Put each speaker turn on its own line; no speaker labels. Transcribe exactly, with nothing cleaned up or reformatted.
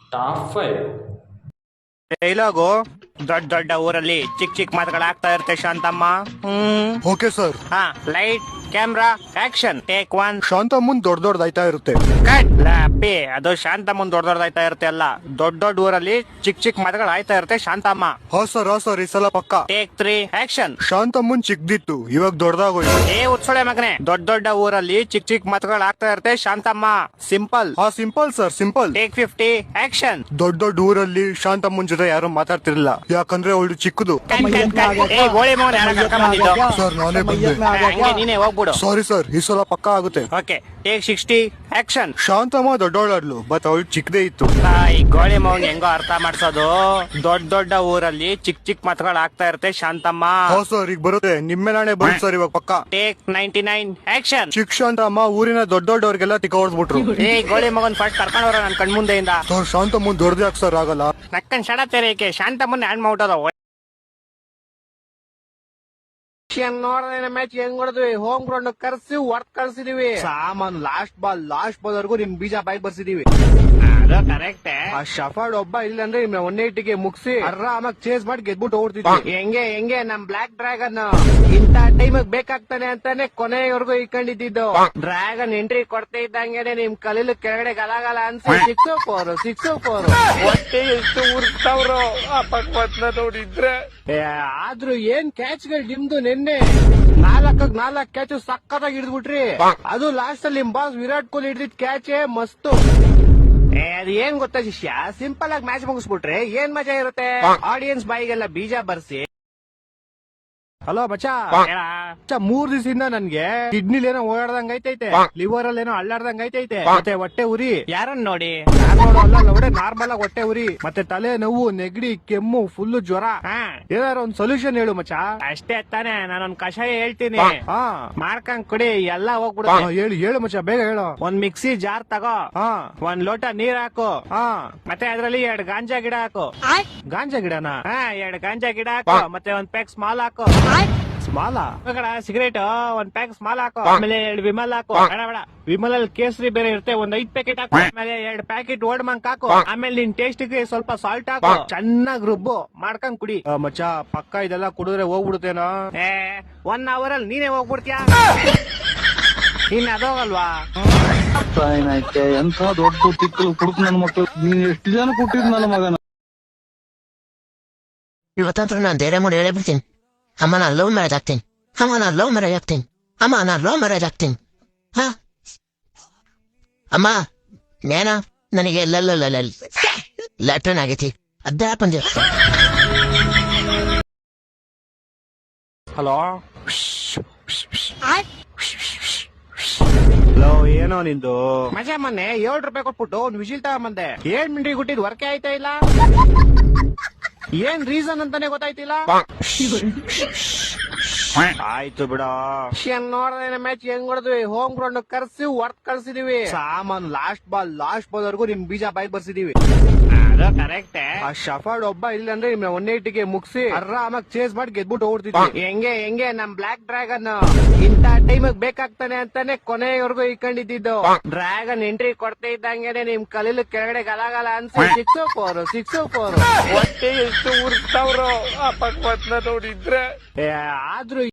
Top five.
Dialogue ದೊಡ್ಡ ದೊಡ್ಡ ಊರಲ್ಲಿ ಚಿಕ್ಕ ಚಿಕ್ಕ ಮಾತುಗಳಾಗ್ತಾ ಇರುತ್ತೆ ಶಾಂತಮ್ಮ. Hmm
okay sir.
ಹಾ light camera action take one.
Shantha ಮುಂದ್ ದೊಡ್ಡ ದೊಡ್ಡದಾಯ್ತಾ ಇರುತ್ತೆ.
ಕಟ್ ಲಾಪಿ ಅದು ಶಾಂತಮ್ಮ ದೊಡ್ಡ ದೊಡ್ಡದಾಯ್ತಾ ಇರುತ್ತೆ ಅಲ್ಲ, ದೊಡ್ಡ ದೊಡ್ಡ ಊರಲ್ಲಿ ಚಿಕ್ಕ ಚಿಕ್ಕ ಮಾತುಗಳು ಆಯ್ತಾ ಇರುತ್ತೆ ಶಾಂತಮ್ಮ.
ಹಾ ಸರ್ ಹಾ ಸರ್ ಈ ಸಲ ಪಕ್ಕ.
Take three action.
ಶಾಂತ ಮುಂದ್ ಚಿಕ್ಕದಿತ್ತು, ಇವಾಗ ದೊಡ್ಡದಾಗೋಯ್ತು.
ಏ ಉತ್ಸೊಳೆ ಮಗನೆ, ದೊಡ್ಡ ದೊಡ್ಡ ಊರಲ್ಲಿ ಚಿಕ್ಕ ಚಿಕ್ಕ ಮಾತುಗಳು ಆಗ್ತಾ ಇರುತ್ತೆ ಶಾಂತಮ್ಮ. ಸಿಂಪಲ್.
ಹಾ simple sir simple.
Take fifty action.
ದೊಡ್ಡ ದೊಡ್ಡ ಊರಲ್ಲಿ ಶಾಂತಮ್ಮನ್ ಜೊತೆ ಯಾರು ಮಾತಾಡ್ತಿರ್ಲಿಲ್ಲ, ಯಾಕಂದ್ರೆ ಅವಳು ಚಿಕ್ಕದು.
ಏ ಗೋಳಿ ಮಗನ ಯಾರ ಕರ್ಕೊಂಡ್ ಬಂದಿದ್ದು?
ಸರ್ ನಾನೇ ಬಂದೆ.
ಹಂಗೆ ನೀನೇ ಹೋಗ್ಬಿಡು.
ಸಾರಿ ಸರ್ ಈ ಸಲ ಪಕ್ಕ ಆಗುತ್ತೆ.
Okay take sixty action.
Shanthamma ದೊಡ್ಡವಳಾಡ್ಲು ಬಟ್ ಅವಳು ಚಿಕ್ಕದೇ ಇತ್ತು.
ಈ ಗೋಳಿ ಮೌನ್ ಹೆಂಗೋ ಅರ್ಥ ಮಾಡ್ಸೋದು, ದೊಡ್ಡ ದೊಡ್ಡ ಊರಲ್ಲಿ ಚಿಕ್ಕ ಚಿಕ್ಕ ಮಾತುಗಳು ಆಗ್ತಾ ಇರುತ್ತೆ ಶಾಂತಮ್ಮ.
ಹಾ ಸರ್ ಈಗ ಬರುತ್ತೆ, ನಿಮ್ಮೆ ನಾಳೆ ಬರುತ್ತೆ ಸರ್ ಇವಾಗ ಪಕ್ಕ.
Take ninety nine action.
ಚಿಕ್ಕ ಶಾಂತಮ್ಮ ಊರಿನ ದೊಡ್ಡ ದೊಡ್ಡವ್ರಿಗೆಲ್ಲ ತಿಕ್ಕ ಹೊಡ್ಸ್ಬಿಟ್ರು.
ಏ ಗೋಳಿ ಮಗನ್ ಫಸ್ಟ್ ಕರ್ಕೊಂಡವ್ರ ನನ್ ಕಣ್ಮುಂದೆಯಿಂದ.
ಸರ್ ಶಾಂತಮ್ಮನ್ ದೊಡ್ಡದೇ ಯಾಕೆ ಸರ್ ಆಗಲ್ಲ?
ನಕ್ಕನ್ ಶಡ ತೆರೇಕೆ ಶಾಂತಮ್ಮನ್ ಹ್ಯಾಂಡ್ ಮಾಡ್ಬಿಟ್ಟದ. ನೋಡ್ದೇನೆ ಮ್ಯಾಚ್ ಹೆಂಗ್ ಹೊಡೆದ್ವಿ, ಹೋಮ್ ಗ್ರೌಂಡ್ ಕರ್ಸಿ ವರ್ಕ್ ಕಳ್ಸಿದೀವಿ. ಸಾಮಾನು ಲಾಸ್ಟ್ ಬಾಲ್ ಲಾಸ್ಟ್ ಬಾಲ್ ವರ್ಗು ನಿಮ್ ಬೀಜ ಬಾಯ್ ಬರ್ಸಿದೀವಿ. ಅದು ಕರೆಕ್ಟ್. ಆ ಶಫರ್ಡ್ ಒಬ್ಬ ಇಲ್ಲ ಅಂದ್ರೆ ನಿಮ್ ಒನ್ ಏಟಿಗೆ ಮುಗಿಸಿ ಆರಾಮಾಗಿ ಚೇಸ್ ಮಾಡಿ ಗೆದ್ಬಿಟ್ಟು ಓಡ್ತಿದ್ವಿ. ಹೆಂಗೆ ಹೆಂಗೆ ನಮ್ ಬ್ಲಾಕ್ ಡ್ರ್ಯಾಗನ್ ಇಂತ ಟೈಮ್ ಬೇಕಾಗ್ತಾನೆ ಅಂತಾನೆ ಕೊನೆಯವರೆಗೂ ಇಟ್ಕೊಂಡಿದ್ದು. ಡ್ರ್ಯಾಗನ್ ಎಂಟ್ರಿ ಕೊಡ್ತಾ ಇದ್ದಂಗೆನೆ ನಿಮ್ ಕಲೀಲು ಕೆಳಗಡೆ ಗಲಾಗಲ ಅನ್ಸಿ ಸಿಕ್ಸ್ ಫೋರ್ ಸಿಕ್ಸ್ ಫೋರ್ ಹೊಟ್ಟೆ ಎಷ್ಟು ಉರ್ತಾವ್ರು ಆ ಪಕ್ವತ್ನ ನೋಡಿದ್ರೆ. ಆದ್ರೂ ಏನ್ ಕ್ಯಾಚ್ ಗಳು ನಿಮ್ದು ನಿನ್ನೆ ನಾಲ್ಕಕ್ ನಾಲ್ಕ್ ಕ್ಯಾಚ್ ಸಕ್ಕತ್ತಾಗಿ ಹಿಡಿದ್ಬಿಟ್ರಿ. ಅದು ಲಾಸ್ಟ್ ಅಲ್ಲಿ ನಿಮ್ ಬಾಸ್ ವಿರಾಟ್ ಕೊಹ್ಲಿ ಹಿಡಿದಿದ್ ಕ್ಯಾಚ್ ಮಸ್ತು. ಅದ್ ಏನ್ ಗೊತ್ತಾ ಶಿಷ್ಯ, ಸಿಂಪಲ್ ಆಗಿ ಮ್ಯಾಚ್ ಮುಗಿಸ್ಬಿಟ್ರೆ ಏನ್ ಮಜಾ ಇರುತ್ತೆ. ಆಡಿಯನ್ಸ್ ಬಾಯಿಗೆಲ್ಲ ಬೀಜ ಬರ್ಸಿ. ಹಲೋ ಬಚ್ಚಾ, ಮೂರ್ ದಿವಸದಿಂದ ನನ್ಗೆ ಕಿಡ್ನಿಲ್ ಏನೋ ಓಡಾಡ್ದಂಗ್ ಐತೈತೆ, ಲಿವರ್ ಅಲ್ಲಿ ಏನೋ ಅಳ್ಳಾಡ್ದಂಗ್ ಐತೈತೆ, ಮತ್ತೆ ಹೊಟ್ಟೆ ಉರಿ. ಯಾರನ್ನ ನೋಡಿ ಒಡೆ ನಾರ್ಮಲ್ ಆಗಿ ಹೊಟ್ಟೆ ಉರಿ, ಮತ್ತೆ ತಲೆ ನೋವು, ನೆಗಡಿ, ಕೆಮ್ಮು, ಫುಲ್ ಜ್ವರ. ಏನಾರು ಒಂದ್ ಸೊಲ್ಯೂಷನ್ ಹೇಳು ಮಚ್ಚಾ. ಅಷ್ಟೇ ತಾನೆ, ನಾನೊಂದ್ ಕಷಾಯ ಹೇಳ್ತೀನಿ, ಹಾ ಮಾಡ್ಕೊಂಡ್ ಕುಡಿ ಎಲ್ಲ ಹೋಗ್ಬಿಡು. ಹೇಳು ಹೇಳು ಮಚ್ಚಾ ಬೇಗ ಹೇಳು. ಒಂದ್ ಮಿಕ್ಸಿ ಜಾರ್ ತಗೋ, ಹಾ ಒಂದ್ ಲೋಟ ನೀರ್ ಹಾಕು, ಹಾ ಮತ್ತೆ ಅದ್ರಲ್ಲಿ ಎರಡ್ ಗಾಂಜಾ ಗಿಡ ಹಾಕು. ಗಾಂಜಾ ಗಿಡನಾ? ಹಾ ಎರಡ್ ಗಾಂಜಾ ಗಿಡ ಹಾಕು, ಮತ್ತೆ ಒಂದ್ ಪ್ಯಾಕ್ ಸ್ಮಾಲ್ ಹಾಕು. ಸ್ಮಾಲ ಸಿಗರೇಟ್ ಒಂದ್ ಪ್ಯಾಕ್ ಸ್ಮಾಲ್ ಹಾಕೋ, ಆಮೇಲೆ ಎರಡು ವಿಮಲ್ ಹಾಕೋ. ಬೇಡ ಬೇಡ, ವಿಮಲ್ ಅಲ್ಲಿ ಕೇಸರಿ ಬೇರೆ ಇರುತ್ತೆ, ಒಂದ್ ಐದ್ ಪ್ಯಾಕೆಟ್ ಹಾಕೋ. ಆಮೇಲೆ ಎರಡ್ ಪ್ಯಾಕೆಟ್ ಓಡ್ ಮಂಕ್ ಹಾಕೋ. ಆಮೇಲೆ ನಿನ್ ಟೇಸ್ಟ್ ಗೆ ಸ್ವಲ್ಪ ಸಾಲ್ಟ್ ಹಾಕೋ. ಚೆನ್ನಾಗ್ ರುಬ್ಬು ಮಾಡ್ಕೊಂಡ್ ಕುಡಿ. ಮಚ್ಚ ಪಕ್ಕ ಇದೆಲ್ಲ ಕುಡಿದ್ರೆ ಹೋಗ್ಬಿಡುತ್ತೇನೋ. ಏ ಒನ್ ಅವರ್ ಅಲ್ಲಿ ನೀನೇ ಹೋಗ್ಬಿಡ್ತೀಯ, ಇನ್ ಅದೋಗಲ್ವಾ?
ಎಂತ ದೊಡ್ಡ ತಿಕ್ಕಲು ಕುಡುಕ್ ನನ್ ಮಕ್ಳು, ನೀನ್ ಎಷ್ಟು ಜನ ಕೊಟ್ಟಿದ್ ನನ್ನ ಮಗನ.
ಇವತ್ತಂತ್ರ ನಾನು ಧೈರ್ಯ ಮಾಡಿ ಹೇಳೇ ಬಿಡ್ತೀನಿ, ಅಮ್ಮ ನಾನು ಲವ್ ಮ್ಯಾರೇಜ್ ಆಗ್ತೀನಿ, ಅಮ್ಮ ನಾನು ಲವ್ ಮ್ಯಾರೇಜ್ ಆಗ್ತೀನಿ, ಅಮ್ಮ ನಾನು ಲವ್ ಮ್ಯಾರೇಜ್ ಆಗ್ತೀನಿ. ಹಾ ಅಮ್ಮ ನೇನ ನನಗೆ ಲ್ಯಾಟ್ರಿನ್ ಆಗೈತಿ, ಅದೇ ಪಂಜ.
ಹಲೋ ಹಲೋ, ಏನೋ ನಿಂದು ಮಜಾ? ಮೊನ್ನೆ ಏಳು ರೂಪಾಯಿ ಕೊಟ್ಬಿಟ್ಟು ಒಂದ್ ವಿಜಿಲ್ ತಗೊಂಬಂದೆ, ಏಳ್ ಮಿನಿಟ್ ಕೊಟ್ಟಿದ್ ವರ್ಕೇ ಆಯ್ತಾ ಇಲ್ಲ. ಏನ್ ರೀಸನ್ ಅಂತಾನೆ ಗೊತ್ತಾಯ್ತಿಲ್ಲ. ಆಯ್ತು ಬಿಡ. ನೋಡ್ದೇನೆ ಮ್ಯಾಚ್ ಹೆಂಗ್ ಹೊಡೆದ್ವಿ, ಹೋಮ್ ಗ್ರೌಂಡ್ ಕರ್ಸಿ ವರ್ಕ್ ಕಳ್ಸಿದೀವಿ. ಸಾಮಾನು ಲಾಸ್ಟ್ ಬಾಲ್ ಲಾಸ್ಟ್ ಬಾಲ್ ವರ್ಗು ನಿಮ್ ಬೀಜ ಬಾಯ್ ಬರ್ಸಿದೀವಿ. ಅದು ಕರೆಕ್ಟ್. ಆ ಶಫರ್ಡ್ ಒಬ್ಬ ಇಲ್ಲ ಅಂದ್ರೆ ನಿಮ್ ಒನ್ ಏಟಿಗೆ ಮುಗಿಸಿ ಆರಾಮಾಗಿ ಚೇಸ್ ಮಾಡಿ ಗೆದ್ಬಿಟ್ಟು ಓಡ್ತಿದ್ವಿ. ಹೆಂಗೆ ಹೆಂಗೆ ನಮ್ ಬ್ಲಾಕ್ ಡ್ರ್ಯಾಗನ್ ಇಂತ ಟೈಮ್ ಬೇಕಾಗ್ತಾನೆ ಅಂತಾನೆ ಕೊನೆಯವರೆಗೂ ಇಟ್ಕೊಂಡಿದ್ದು. ಡ್ರ್ಯಾಗನ್ ಎಂಟ್ರಿ ಕೊಡ್ತಾ ಇದ್ದಂಗೆನೆ ನಿಮ್ ಕಲೀಲು ಕೆಳಗಡೆ ಗಲಾಗಲ ಅನ್ಸಿ ಸಿಕ್ಸ್ ಫೋರ್ ಸಿಕ್ಸ್ ಫೋರ್ ಹೊಟ್ಟೆ ಎಷ್ಟು ಉರ್ತಾವ್ರು ಆ ಪಕ್ವತ್ನ ನೋಡಿದ್ರೆ. ಆದ್ರೂ